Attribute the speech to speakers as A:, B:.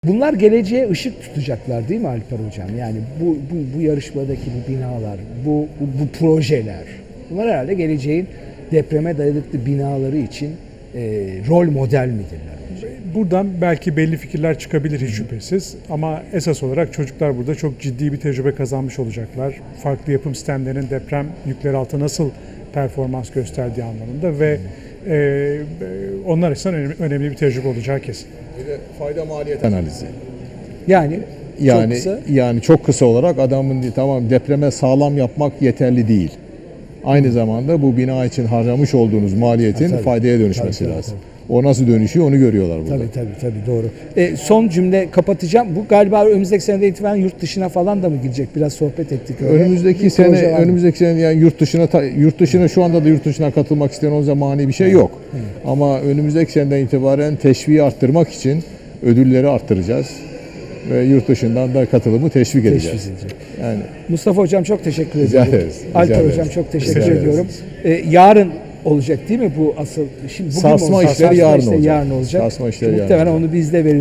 A: Bunlar geleceğe ışık tutacaklar değil mi Alper Hocam? Yani bu yarışmadaki bu binalar, bu projeler, bunlar herhalde geleceğin depreme dayanıklı binaları için rol model midirler?
B: Buradan belki belli fikirler çıkabilir hiç şüphesiz ama esas olarak çocuklar burada çok ciddi bir tecrübe kazanmış olacaklar. Farklı yapım sistemlerinin deprem yükleri altında nasıl performans gösterdiği anlamında ve onlar açısından önemli bir tecrübe olacağı kesin.
C: Bir de fayda maliyet analizi.
A: Yani
C: Çok kısa olarak adamın tamam depreme sağlam yapmak yeterli değil. Aynı zamanda bu bina için harcamış olduğunuz maliyetin faydaya dönüşmesi lazım. O nasıl dönüşüyor onu görüyorlar burada.
A: Tabii doğru. Son cümle kapatacağım. Bu galiba önümüzdeki seneden itibaren yurt dışına falan da mı gidecek? Biraz sohbet ettik öyle.
C: Önümüzdeki sene yani yurt dışına şu anda da yurt dışına katılmak isteyen o zamani bir şey yok. Ama önümüzdeki seneden itibaren teşviği arttırmak için ödülleri arttıracağız. Ve yurt dışından da katılımı teşvik edeceğiz. Yani
A: Mustafa Hocam çok teşekkür
C: Rica
A: ediyorum.
C: ederiz.
A: Alper Hocam çok teşekkür ediyorum. Yarın olacak değil mi bu asıl? Şimdi bugün
C: sarsma işleri yarın olacak.
A: Yarın olacak.
C: Sarsma işleri yarın
A: Muhtemelen
C: olacak.
A: onu biz de veririz.